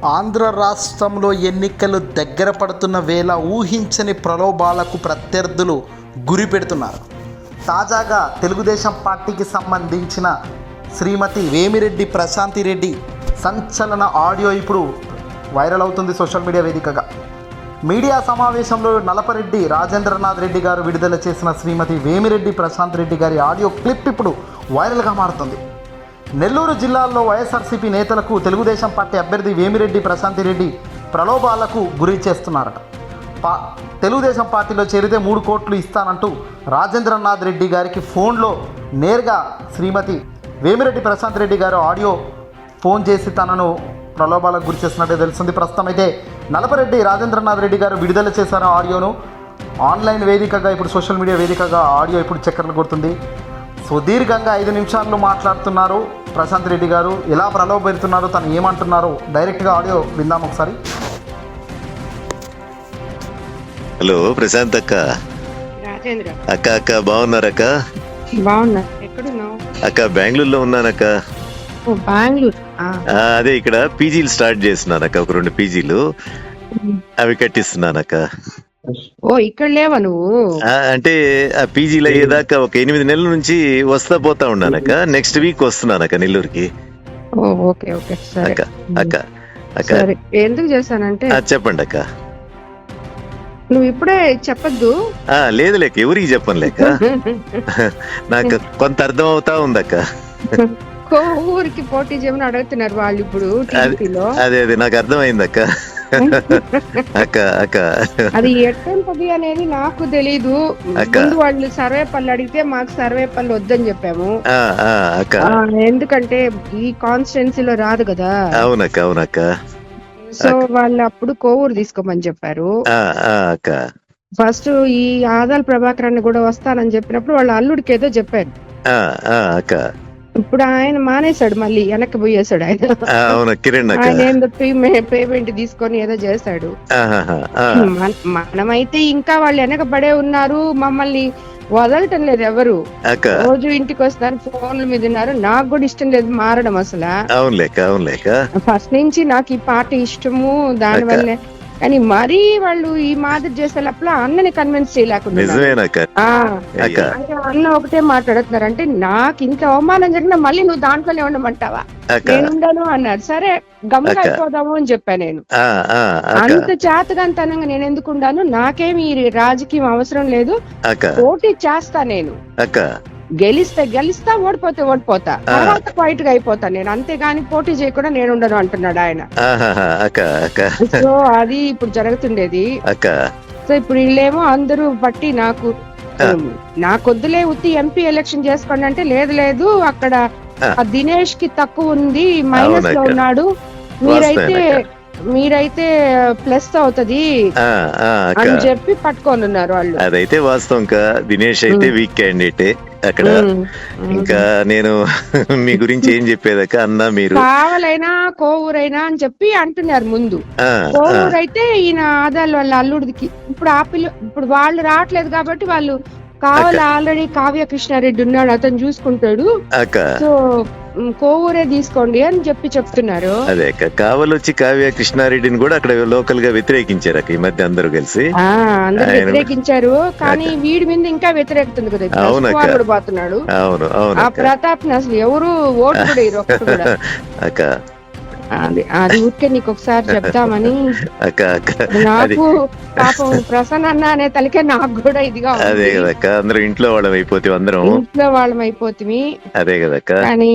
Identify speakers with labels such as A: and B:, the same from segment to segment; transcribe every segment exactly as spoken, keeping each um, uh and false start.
A: ఆంధ్ర రాష్ట్రంలో ఎన్నికలు దగ్గర పడుతున్న వేళ ఊహించని ప్రలోభాలకు ప్రత్యర్థులు గురి పెడుతున్నారు. తాజాగా తెలుగుదేశం పార్టీకి సంబంధించిన శ్రీమతి వేమిరెడ్డి ప్రశాంతి రెడ్డి సంచలన ఆడియో ఇప్పుడు వైరల్ అవుతుంది సోషల్ మీడియా వేదికగా. మీడియా సమావేశంలో నలపరెడ్డి రాజేంద్రనాథ్ రెడ్డి గారు విడుదల చేసిన శ్రీమతి వేమిరెడ్డి ప్రశాంత్ రెడ్డి గారి ఆడియో క్లిప్ ఇప్పుడు వైరల్గా మారుతుంది. నెల్లూరు జిల్లాలో వైఎస్ఆర్సీపీ నేతలకు తెలుగుదేశం పార్టీ అభ్యర్థి వేమిరెడ్డి ప్రశాంతి రెడ్డి ప్రలోభాలకు గురి చేస్తున్నారట. పా తెలుగుదేశం పార్టీలో చేరితే మూడు కోట్లు ఇస్తానంటూ రాజేంద్రనాథ్ రెడ్డి గారికి ఫోన్లో నేరుగా శ్రీమతి వేమిరెడ్డి ప్రశాంత్ రెడ్డి గారు ఆడియో ఫోన్ చేసి తనను ప్రలోభాలకు గురి చేస్తున్నట్టే తెలుస్తుంది. ప్రస్తుతం అయితే నలపరెడ్డి రాజేంద్రనాథ్ రెడ్డి గారు విడుదల చేశారు ఆడియోను. ఆన్లైన్ వేదికగా ఇప్పుడు సోషల్ మీడియా వేదికగా ఆడియో ఇప్పుడు చక్కర్లు కొడుతుంది. సుదీర్ఘంగా ఐదు నిమిషాల్లో మాట్లాడుతున్నారు ప్రశాంత్ రెడ్డి గారు. ఎలా ప్రలోభ పెడుతున్నారు, తను ఏమంటున్నారు, డైరెక్ట్గా ఆడియో విందాం ఒకసారి.
B: హలో ప్రశాంత్ అక్క.
C: రాజేంద్ర
B: అక్క అక్క బాగున్నారక్క?
C: బాగున్నా. ఎక్కడున్నావు?
B: అక్క బెంగళూరులో ఉన్నానక్క.
C: ఓ బెంగళూరు.
B: ఆ, అదే ఇక్కడ పీజీలు స్టార్ట్ చేస్తున్నానక్క, ఒక రెండు పీజీలు అవి కట్టిస్తున్నానక్క.
C: ఓ ఇక్కడ లేవా నువ్వు?
B: ఆ, అంటే ఆ పీజీలు అయ్యేదాకా ఒక ఎనిమిది నెలల నుంచి వస్తా పోతా ఉన్నానక్క. నెక్స్ట్ వీక్ వస్తున్నానక్క నెల్లూరుకి.
C: ఓ ఓకే ఓకే సరే
B: అక్క అక్క అక్క
C: సరే. ఎందుకు చేశానంటే
B: ఆ, చెప్పండి అక్క.
C: నువ్వు ఇప్పుడే చెప్పద్దు.
B: ఆ, లేదు లేక ఎవరికి చెప్పను లేక నాకు కొంత అర్థం అవుతా ఉందక్క.
C: ఊరికి పోటీ చేయమని అడుగుతున్నారు వాళ్ళు ఇప్పుడు టీడీపీలో.
B: అదే అదే నాకు అర్థమైందక్క. అక్క అక్క
C: అది ఎట్టంటది అనేది నాకు తెలీదు. ముందు వాళ్ళు సర్వేపల్లి అడిగితే మాకు సర్వేపల్లి వద్దని చెప్పాము.
B: అక్క
C: ఎందుకంటే ఈ కాన్స్టిట్యున్సీలో రాదు కదా.
B: అవునక్క అవునక్క.
C: సో వాళ్ళు అప్పుడు కోవూరు తీసుకోమని చెప్పారు.
B: అక్క
C: ఫస్ట్ ఈ ఆదాల ప్రభాకరాన్ని కూడా వస్తానని చెప్పినప్పుడు వాళ్ళ అల్లుడికి ఏదో చెప్పారు.
B: అక్క
C: ఇప్పుడు ఆయన మానేశాడు, మళ్ళీ వెనక్కి పోయేశాడు. ఆయన
B: కిరణ్
C: ఆయన ఏందో పేమెంట్ తీసుకొని ఏదో చేశాడు. మనమైతే ఇంకా వాళ్ళు వెనకబడే ఉన్నారు, మమ్మల్ని వదలటం లేదు ఎవరు. రోజు ఇంటికి వస్తారు, ఫోన్ల మీద ఉన్నారు. నాకు కూడా ఇష్టం లేదు మారడం అసలు. ఫస్ట్ నుంచి నాకు ఈ పార్టీ ఇష్టము, దాని వల్లే. కానీ మరీ వాళ్ళు ఈ మాదిరి చేసేటప్పుడు అన్నని కన్విన్స్ చేయలేకుండా అన్న ఒకటే మాట్లాడుతున్నారు. అంటే నాకు ఇంత అవమానం జరిగినా మళ్ళీ నువ్వు దాంట్లోనే ఉండమంటావా? నేను ఉండను అన్నారు. సరే గమ్ముగా అయిపోదాము అని చెప్పా నేను. అంత చేతగాంతనంగా నేను ఎందుకు ఉండాను? నాకేమి రాజకీయం అవసరం లేదు, పోటీ చేస్తా నేను. గెలిస్తే గెలిస్తా, ఓడిపోతే ఓడిపోతా, తర్వాత ఫైట్ గా అయిపోతా నేను, అంతేగాని పోటీ చేయకుండా నేను ఉండను అంటున్నాడు ఆయన. సో అది ఇప్పుడు జరుగుతుండేది. సో ఇప్పుడు వీళ్ళేమో అందరూ బట్టి నాకు నాకొద్దులే ఉత్తి ఎంపీ ఎలక్షన్ చేసుకోండి అంటే, లేదు లేదు అక్కడ దినేష్ కి తక్కువ ఉంది, మైనస్ లో ఉన్నాడు, మీరైతే మీరైతే ప్లస్ అవుతది అని చెప్పి పట్టుకొని ఉన్నారు వాళ్ళు.
B: అదైతే వాస్తవం. దినేష్ అయితే వీక్ క్యాండిడేటే అక్కడ. ఇంకా నేను మీ గురించి ఏం చెప్పేదాక అన్నా, మీరు
C: కావాలైనా కోవూరైనా అని చెప్పి అంటున్నారు ముందు. కోవూరు అయితే ఈయన ఆదాల వాళ్ళ అల్లుడికి ఇప్పుడు ఆ పిల్ల ఇప్పుడు వాళ్ళు రావట్లేదు కాబట్టి వాళ్ళు కావాలి, ఆల్రెడీ కావ్య కృష్ణారెడ్డి ఉన్నాడు, అతను చూసుకుంటాడు, సో కోవూరే తీసుకోండి అని చెప్పి చెప్తున్నారు.
B: అదే కావాలి వచ్చి కావ్య కృష్ణారెడ్డిని కూడా అక్కడ లోకల్ గా వ్యతిరేకించారు ఈ మధ్య అందరూ కలిసి.
C: అందరూ వ్యతిరేకించారు, కానీ వీడి మీద ఇంకా వ్యతిరేకుతుంది కదా. అవును పోతున్నాడు.
B: అవును అవును.
C: ఆ ప్రతాప్ అసలు ఎవరు ఓటు కూడా ఇరు ఒక్కడు కూడా.
B: అక్క
C: అది అది ఊరికే నీకు ఒకసారి చెప్తామని. నాకు పాపం ప్రసన్న అన్న అనే తలకే నాకు కూడా ఇదిగా.
B: అదే కదక్క, అందరూ ఇంట్లో వాళ్ళం అయిపోతే అందరం
C: ఇంట్లో వాళ్ళం అయిపోతుంది.
B: అదే కదక్క.
C: కానీ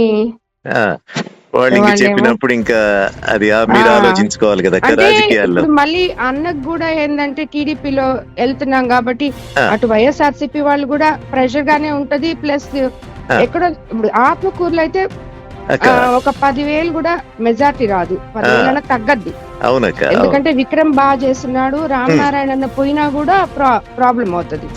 B: వాళ్ళు చెప్పినప్పుడు ఇంకా అది మీరు ఆలోచించుకోవాలి కదా రాజకీయాల్లో.
C: మళ్ళీ అన్నకు కూడా ఏంటంటే టీడీపీలో వెళ్తున్నాం కాబట్టి అటు వైఎస్ఆర్సీపీ వాళ్ళు కూడా ప్రెషర్ గానే ఉంటది. ప్లస్ ఎక్కడో ఇప్పుడు ఆత్మకూరులో అయితే ఒక పదివేలు కూడా మెజార్టీ రాదు, పదివేల తగ్గద్ది.
B: అవునక్క,
C: ఎందుకంటే విక్రమ్ బాగా చేస్తున్నాడు, రామనారాయణ పోయినా కూడా ప్రాబ్లం అవుతుంది.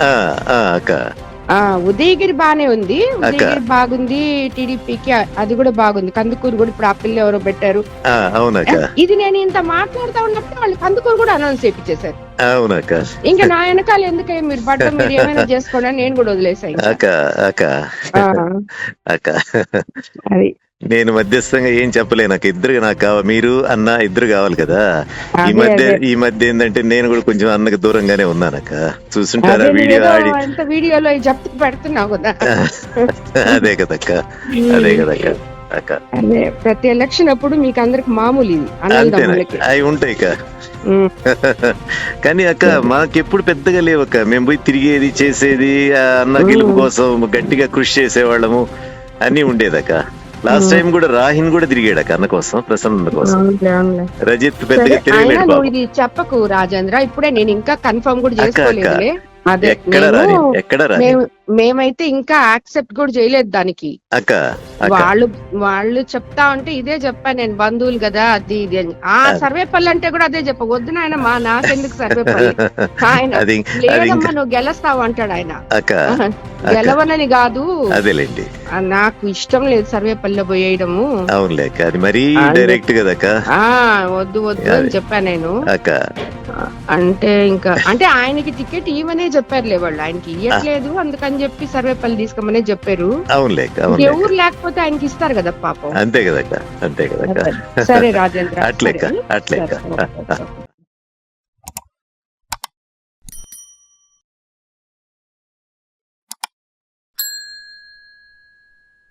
C: ఉదయగిరి బానే ఉంది, ఉదయగిరి బాగుంది టీడీపీకి, అది కూడా బాగుంది. కందుకూరు కూడా ఇప్పుడు ఆ పిల్ల ఎవరో పెట్టారు. ఇది నేను ఇంత మాట్లాడుతా ఉన్నప్పుడు వాళ్ళు కందుకూరు కూడా అనౌన్స్ చేయించేశారు. ఇంకా నా వెనకాల ఎందుకే మీరు పడ్డ మీరు ఏమైనా చేసుకోండి అని నేను కూడా వదిలేసాను.
B: అది నేను మధ్యస్థంగా ఏం చెప్పలేను. నాకు ఇద్దరు నాకు కావాలి, మీరు అన్న ఇద్దరు కావాలి కదా. ఈ
C: అదే
B: మధ్య
C: అదే
B: ఈ మధ్య ఏంటంటే నేను కూడా కొంచెం అన్నకు దూరంగానే ఉన్నానక్క. చూస్తుంటారా
C: అదే
B: వీడియో
C: నువ్వేదో
B: ఆడి.
C: అంత వీడియోలో చెప్తూ పెడుతున్నావు కదా.
B: అదే కదక్క, అదే కదక్క అక్క.
C: అదే ప్రతి ఎలక్షన్ అప్పుడు మీకు అందరికి మామూలు ఇది
B: అంతేనా,
C: అన్నదమ్ములకి.
B: అవి ఉంటాయి అక్క.
C: ఉమ్.
B: కానీ అక్క మాకెప్పుడు పెద్దగా లేవక్క. మేము పోయి తిరిగేది చేసేది, ఆ అన్న గెలుపు కోసం గట్టిగా కృషి చేసేవాళ్ళము అన్ని ఉండేదక్క. లాస్ట్ టైం కూడా రాహిన్ కూడా తిరిగాడక్క అన్న కోసం, ప్రసన్న కోసం.
C: అవునులే, అవునులే.
B: రజిత్
C: సరే,
B: పెద్దగా
C: అయినా
B: తిరగలేడు
C: నువ్వు
B: బాబు.
C: ఇది చెప్పకు రాజేంద్ర, ఇప్పుడే నేను ఇంకా కన్ఫర్మ్ కూడా
B: అక్క అక్క
C: చేసుకోలేదులే. అదే
B: ఎక్కడ
C: మేము
B: రాని ఎక్కడ రాని
C: మేము మేమైతే ఇంకా యాక్సెప్ట్ కూడా చేయలేదు దానికి.
B: అక్క అక్క
C: వాళ్ళు వాళ్ళు చెప్తా ఉంటే ఇదే చెప్పా నేను, బంధువులు కదా అది ఇది అని. ఆ సర్వేపల్లి అంటే కూడా అదే చెప్ప, వద్దు నాయన మా నాకెందుకు సర్వేపల్లి, ఆయన
B: అది అది
C: లేదమ్మా
B: ఇంకా
C: నువ్వు గెలుస్తావు అంటాడు ఆయన.
B: అక్క
C: ఆహా,
B: అక్క
C: గెలవనని కాదు,
B: అదేలేండి.
C: ఆ, నాకు ఇష్టం లేదు సర్వేపల్లిలో పోయేయడము.
B: అవునులే అక్క, అది మరీ
C: అని
B: డైరెక్ట్ కదక్క.
C: ఆ వద్దు వద్దు అని చెప్పా నేను.
B: అక్క
C: అంటే ఇంకా అంటే ఆయనకి టికెట్ ఇవ్వనే చెప్పారులే వాళ్ళు, ఆయనకి ఇవ్వట్లేదు అందుకని చెప్పి సర్వేపల్లి తీసుకోమనే చెప్పారు.
B: అవునులే అక్క, అవునులే అక్క.
C: ఎవరు లేకపోతే ఆయనకి ఇస్తారు కదా పాపం.
B: అంతే కదక్క, అంతే కదక్క.
C: సరే రాజేంద్ర,
B: అట్లెక్క
C: సరే
B: అట్లెక్క.
C: సరే, ఓకే, ఓకే.